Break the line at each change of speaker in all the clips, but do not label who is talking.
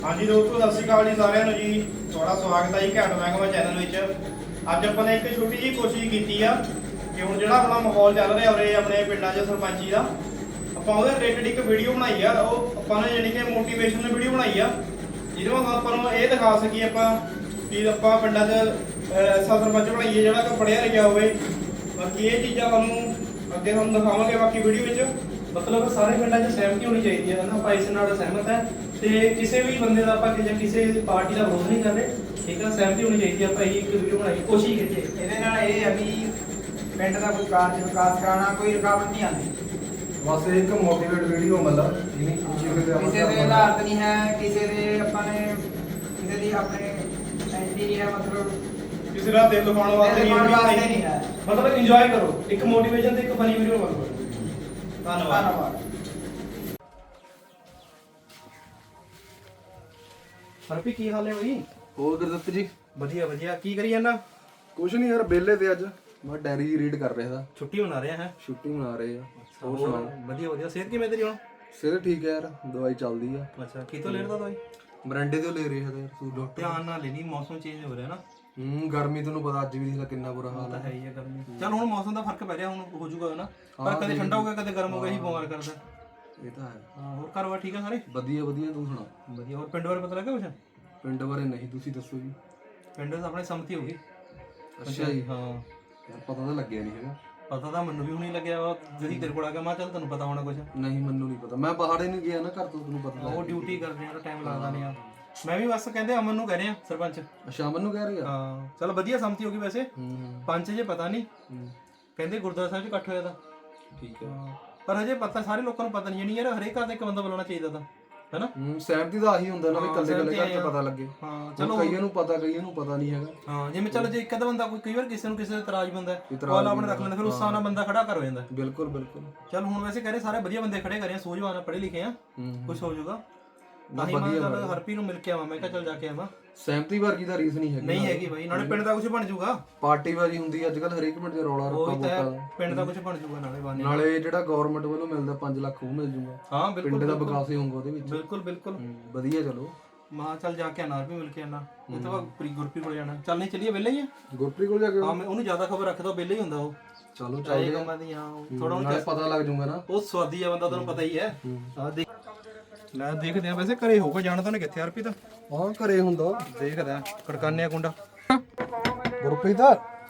हाँ जी दोस्तों, सत श्री अकाल जी साਰਿਆਂ ਨੂੰ ਜੀ। ਤੁਹਾਡਾ ਸਵਾਗਤ ਹੈ ਜੀ ਘੈਂਟ ਮਹਿਕਮਾ ਚੈਨਲ ਵਿੱਚ। ਅੱਜ ਆਪਾਂ ਨੇ ਇੱਕ ਛੋਟੀ ਜਿਹੀ ਕੋਸ਼ਿਸ਼ ਕੀਤੀ ਆ ਕਿ ਹੁਣ ਜਿਹੜਾ ਆਪਣਾ ਮਾਹੌਲ ਚੱਲ ਰਿਹਾ ਉਰੇ ਆਪਣੇ ਪਿੰਡਾਂ 'ਚ ਸਰਪੰਚੀ ਦਾ, ਆਪਾਂ ਉਹਦੇ ਰਿਲੇਟਡ ਇੱਕ ਵੀਡੀਓ ਬਣਾਈ ਆ। ਉਹ ਆਪਾਂ ਨੇ ਜਾਣੀ ਕਿ ਮੋਟੀਵੇਸ਼ਨਲ ਵੀਡੀਓ ਬਣਾਈ ਆ, ਜਿਹਦੇ ਵਿੱਚ ਆਪਾਂ ਨੂੰ ਇਹ ਦਿਖਾ ਸਕੀਏ ਆਪਾਂ ਕਿ ਆਪਾਂ ਪਿੰਡਾਂ 'ਚ ਐਸਾ ਸਰਪੰਚ ਬਣਾਈਏ ਜਿਹੜਾ ਕਿ ਪੜ੍ਹਿਆ ਲਿਖਿਆ ਹੋਵੇ। ਬਾਕੀ ਇਹ ਚੀਜ਼ਾਂ ਤੁਹਾਨੂੰ ਅੱਗੇ ਤੁਹਾਨੂੰ ਦਿਖਾਵਾਂਗੇ ਬਾਕੀ ਵੀਡੀਓ ਵਿੱਚ। ਮਤਲਬ ਸਾਰੇ ਪਿੰਡਾਂ 'ਚ ਸਹਿਮਤੀ ਹੋਣੀ ਚਾਹੀਦੀ ਹੈ ਨਾ, ਆਪਾਂ ਇਸ ਨਾਲ ਸਹਿਮਤ ਹੈ ਤੇ ਕਿਸੇ ਵੀ ਬੰਦੇ ਦਾ ਆਪਾਂ ਕਿਸੇ ਪਾਰਟੀ ਦਾ ਵਿਰੋਧ ਨਹੀਂ ਕਰ ਰਹੇ, ਠੀਕ ਹੈ। ਸਹਿਮਤੀ ਹੋਣੀ ਚਾਹੀਦੀ ਹੈ। ਆਪਾਂ ਇਹ ਇੱਕ ਵੀਡੀਓ ਬਣਾਈ, ਕੋਸ਼ਿਸ਼ ਕੀਤੀ।
ਇਹਦੇ ਨਾਲ ਇਹ ਹੈ ਵੀ ਪਿੰਡ ਦਾ ਕੋਈ ਕਾਰਜ ਵਿਕਾਸ ਕਰਾਉਣਾ ਕੋਈ ਰੁਕਾਵਟ ਨਹੀਂ ਆਉਂਦੀ।
ਬਸ ਇੱਕ ਮੋਟੀਵੇਟ ਵੀਡੀਓ ਮਤਲਬ ਜਿਹਨੇ
ਕਿਸੇ ਦੇ ਹਾਲਾਤ ਨਹੀਂ ਹੈ, ਕਿਸੇ ਦੇ ਆਪਾਂ ਨੇ ਕਿਸੇ ਦੀ ਆਪਣੇ ਐਂਟੀ ਨਹੀਂ ਹੈ, ਮਤਲਬ
ਕਿਸੇ ਦਾ ਦਿਲ ਦੁਖਾਉਣ ਵਾਸਤੇ
ਨਹੀਂ ਹੈ।
ਮਤਲਬ ਇੰਜੋਏ ਕਰੋ, ਇੱਕ ਮੋਟੀਵੇਸ਼ਨ ਤੇ ਇੱਕ ਫਨੀ ਵੀਡੀਓ ਬਣਾਓ। ਧੰਨਵਾਦ। ਹਰਪੀ ਕੀ ਹਾਲ ਹੈ ਬਈ?
ਹੋਰ ਗੁਰਦੱਤ ਜੀ
ਵਧੀਆ ਵਧੀਆ। ਕੀ ਕਰੀ ਜਾਂਦਾ?
ਕੁਛ ਨਹੀਂ ਯਾਰ, ਵਿਹਲੇ ਤੇ ਅੱਜ ਮੈਂ ਡਾਇਰੀ ਰੀਡ ਕਰ ਰਿਹਾ ਸੀ।
ਛੁੱਟੀ ਮਨਾ ਰਿਹਾ ਹੈ?
ਛੁੱਟੀ ਮਨਾ ਰਹੇ ਆ।
ਹੋਰ ਸੁਣਾਓ? ਵਧੀਆ ਵਧੀਆ। ਸਿਹਤ ਕਿਵੇਂ ਤੇਰੀ ਹੁਣ?
ਸਿਹਤ ਠੀਕ ਹੈ ਯਾਰ, ਦਵਾਈ ਚੱਲਦੀ ਆ।
ਅੱਛਾ, ਕਿਤੋਂ ਲੈਦਾ ਦਵਾਈ?
ਮਰੰਡੇ ਤੋਂ ਲੈ ਰਿਹਾ ਯਾਰ ਤੂੰ ਡਾਕਟਰ।
ਧਿਆਨ ਨਾਲ ਲੈਣੀ, ਮੌਸਮ ਚੇਂਜ ਹੋ ਰਿਹਾ ਨਾ।
ਗਰਮੀ ਤੈਨੂੰ ਪਤਾ ਅੱਜ ਵੀ ਦੇਖ ਲੈ ਕਿੰਨਾ ਬੁਰਾ ਹਾਲ
ਤਾਂ
ਹੈ।
ਹੈ ਹੀ ਹੈ ਗਰਮੀ। ਚੱਲ ਹੁਣ ਮੌਸਮ ਦਾ ਫਰਕ ਪੈ ਰਿਹਾ, ਹੁਣ ਹੋ ਜਾਊਗਾ ਨਾ, ਪਰ ਕਦੇ ਠੰਡਾ ਹੋ ਗਿਆ ਕਦੇ ਗਰਮ ਹੋ ਗਿਆ, ਹੀ ਬਿਮਾਰ ਕਰਦਾ।
ਇਹ ਤਾਂ ਹੈ।
ਹਾਂ, ਹੋਰ ਘਰ ਬਾਰ ਠੀਕ ਆ ਸਾਰੇ?
ਵਧੀਆ ਵਧੀਆ, ਤੂੰ ਸੁਣਾ?
ਵਧੀਆ। ਹੋਰ ਪਿੰਡ ਬਾਰੇ ਪਤਾ ਲੱਗਾ ਕੁਛ?
ਪਿੰਡ ਬਾਰੇ ਨਹੀਂ, ਤੁਸੀਂ ਦੱਸੋ ਜੀ।
ਪਿੰਡ ਵਿੱਚ ਆਪਣੇ ਸੰਮਤੀ ਹੋ ਗਈ।
ਅੱਛਾ ਜੀ।
ਹਾਂ,
ਯਾਰ ਪਤਾ ਤਾਂ ਲੱਗਿਆ ਨਹੀਂ ਹੈਗਾ।
ਪਤਾ ਤਾਂ ਮੈਨੂੰ ਵੀ ਹੁਣੀ ਲੱਗਿਆ ਵਾ, ਜਿਹੜੀ ਤੇਰੇ ਕੋਲ ਆ ਗਿਆ। ਮੈਂ ਚੱਲ ਤੈਨੂੰ ਪਤਾ ਹੋਣਾ ਕੁਛ।
ਨਹੀਂ ਮੈਨੂੰ ਨਹੀਂ ਪਤਾ, ਮੈਂ ਪਹਾੜੇ ਨਹੀਂ ਗਿਆ ਨਾ ਘਰ ਤੋਂ, ਤੈਨੂੰ ਪਤਾ
ਉਹ ਡਿਊਟੀ ਕਰਦੇ ਆ, ਟਾਈਮ ਲੱਗਦਾ ਨਹੀਂ ਆ। ਮੈਂ ਵੀ ਬਸ ਕਹਿੰਦੇ ਅਮਨ ਨੂੰ ਕਹਿ ਰਿਹਾ ਸਰਪੰਚ।
ਅੱਛਾ, ਮੈਨੂੰ ਕਹਿ ਰਿਹਾ।
ਹਾਂ ਚਲ ਵਧੀਆ ਸੰਮਤੀ ਹੋ ਗਈ ਵੈਸੇ। ਪੰਚ ਜੇ ਪਤਾ ਨਹੀਂ, ਕਹਿੰਦੇ ਗੁਰਦੁਆਰਾ ਸਾਹਿਬ 'ਚ ਇਕੱਠ ਹੋਇਆ ਤਾਂ।
ਠੀਕ ਹੈ,
ਪਰ ਹਜੇ ਪਤਾ ਸਾਰੇ ਲੋਕਾਂ ਨੂੰ ਪਤਾ ਨਹੀਂ। ਨਹੀਂ ਯਾਰ, ਹਰੇਕ ਘਰ ਦਾ ਇੱਕ ਬੰਦਾ ਬੁਲਾਉਣਾ ਚਾਹੀਦਾ ਤਾਂ, ਹੈਨਾ।
ਸਹਿਮਤੀ ਦਾ ਆਹੀ ਹੁੰਦਾ ਨਾ ਵੀ ਕੱਲੇ ਕੱਲੇ ਘਰ 'ਚ ਪਤਾ ਲੱਗੇ।
ਹਾਂ
ਚਲੋ ਕਈਆਂ ਨੂੰ ਪਤਾ, ਕਈਆਂ ਨੂੰ ਪਤਾ ਨਹੀਂ ਹੈਗਾ।
ਹਾਂ, ਜਿਵੇਂ ਚਲੋ ਜੇ ਇੱਕ ਅੱਧਾ ਬੰਦਾ ਕੋਈ ਕਈ ਵਾਰ ਕਿਸੇ ਨੂੰ ਕਿਸੇ ਦਾ ਇਤਰਾਜ਼ ਬੰਦਾ ਉਹ ਆਪਣੇ ਰੱਖ ਲੈਂਦਾ, ਫਿਰ ਉਸ ਹਿਸਾਬ ਨਾਲ ਬੰਦਾ ਖੜਾ ਕਰ ਹੋ ਜਾਂਦਾ।
ਬਿਲਕੁਲ ਬਿਲਕੁਲ।
ਚਲ ਹੁਣ ਵੈਸੇ ਕਹਿੰਦੇ ਸਾਰੇ ਵਧੀਆ ਬੰਦੇ ਖੜੇ ਕਰੇ ਆ, ਸੂਝਵਾਨ ਆ, ਪੜ੍ਹੇ ਲਿਖੇ ਆ, ਕੁਛ ਹੋ ਜਾਊਗਾ। ਤਾਂ ਹੀ ਮੈਂ ਚੱਲ ਹਰਪੀ ਨੂੰ ਮਿਲ ਕੇ ਆਵਾਂ। ਮੈਂ ਕਿਹਾ ਚੱਲ ਜਾ ਕੇ ਆਵਾਂ।
ਸਹਿਮਤੀ ਵਰਗੀ ਤਾਂ ਰੀਸ ਨਹੀਂ ਹੈਗੀ।
ਨਹੀਂ ਹੈਗੀ ਬਾਈ, ਨਾਲੇ ਪਿੰਡ ਦਾ ਕੁਝ ਬਣ ਜਾਊਗਾ।
ਪਾਰਟੀ ਬਾਜੀ ਹੁੰਦੀ ਅੱਜ ਕੱਲ ਹਰੇਕ ਪਿੰਡ 'ਚ ਰੌਲਾ ਰੱਪਾ ਵੋਟਾਂ।
ਪਿੰਡ ਦਾ ਕੁਝ ਬਣ ਜਾਊਗਾ ਨਾਲੇ ਬਾਨੇ।
ਨਾਲੇ ਜਿਹੜਾ ਗਵਰਨਮੈਂਟ ਵੱਲੋਂ ਮਿਲਦਾ 5 ਲੱਖ ਉਹ ਮਿਲ ਜੂਗਾ।
ਹਾਂ ਬਿਲਕੁਲ,
ਪਿੰਡ ਦਾ ਵਿਕਾਸ ਹੀ ਹੋਊਗਾ ਉਹਦੇ ਵਿੱਚ।
ਬਿਲਕੁਲ ਬਿਲਕੁਲ।
ਵਧੀਆ। ਚਲੋ
ਮਾਂ ਚੱਲ ਜਾ ਕੇ ਆਣਾ, ਵੀ ਮਿਲ ਕੇ ਆਣਾ। ਇਹ ਤੋਂ ਬਾਅਦ ਗੁਰਪ੍ਰੀਤ ਕੋਲ ਜਾਣਾ। ਚੱਲ ਨਹੀਂ ਚੱਲੀਏ, ਵਿਹਲੇ ਹੀ ਆ।
ਗੁਰਪ੍ਰੀਤ ਕੋਲ ਜਾ ਕੇ
ਹਾਂ, ਮੈਂ ਉਹਨੂੰ ਜ਼ਿਆਦਾ ਖਬਰ ਰੱਖਦਾ, ਵਿਹਲੇ ਹੀ ਹੁੰਦਾ ਉਹ।
ਚਲੋ ਚੱਲਦੇ
ਕੰਮਾਂ ਦੀ। ਹਾਂ ਥੋੜਾ
ਨਾਲੇ ਪਤਾ ਲੱਗ ਜੂਗਾ ਨਾ।
ਉਹ ਸਵਾਦੀ ਆ ਬੰਦਾ, ਤੈਨੂੰ ਪਤਾ ਹੀ ਹੈ। ਆ ਦੇਖ ਲੈ, ਦੇਖਦੇ ਆ ਵੈਸੇ ਘਰੇ ਹੋਊਗਾ। ਜਾਣਾ ਤਾਂ ਉਹਨੇ ਕਿੱਥੇ ਹਰਪੀ ਤਾਂ?
ਹਾਂ ਘਰੇ ਹੁੰਦਾ।
ਦੇਖਦੇ ਆ, ਖੜਕਾਨੇ ਆ ਕੁੰਡਾ।
ਗੁਰਪ੍ਰੀਤ